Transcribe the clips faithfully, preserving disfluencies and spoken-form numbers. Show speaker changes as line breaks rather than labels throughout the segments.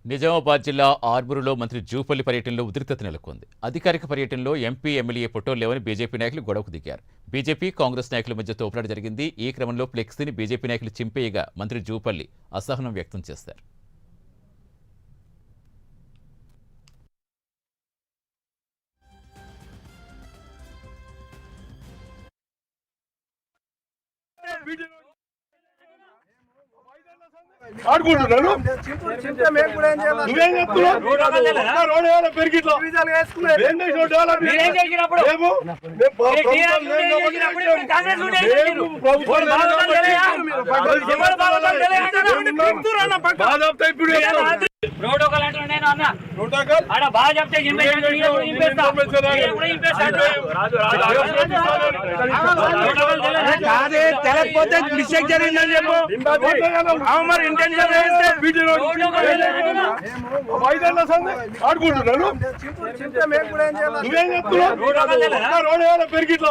నిజామాబాద్ జిల్లా ఆర్మూరులో మంత్రి జూపల్లి పర్యటనలో ఉద్రిక్తత నెలకొంది. అధికారిక పర్యటనలో ఎంపీ ఎమ్మెల్యే ఫోటోలు లేవని బీజేపీ నాయకులు గొడవకు దిగారు. బీజేపీ కాంగ్రెస్ నాయకుల మధ్య తోపులాట జరిగింది. ఈ క్రమంలో ఫ్లెక్సీని బీజేపీ నాయకులు చింపేయగా మంత్రి జూపల్లి అసహనం వ్యక్తం చేశారు.
ఆడుకుంటున్నాను నువ్వేం చెప్తున్నావు? పెరిగిట్లో
ప్రోటోకాల్ అంటే నేను అన్నా ఆడ బాగా చెప్తే
తెలకపోతే మిస్టేక్ జరిగిందని చెప్పు. మరి ఇంటెన్షన్ ఆడుకుంటున్నాను నువ్వేం చెప్తున్నావు? రోడ్ పెరిగిట్లో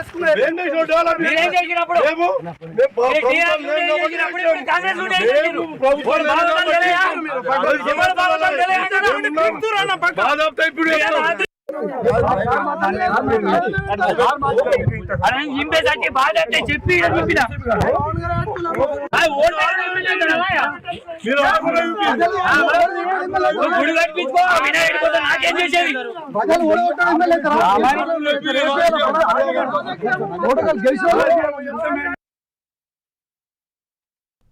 చింపేసరికి బాగా చెప్పి చెప్పిన గుడి కట్టించుకో వినాయకుడి కోసం నాకేం చేసేది.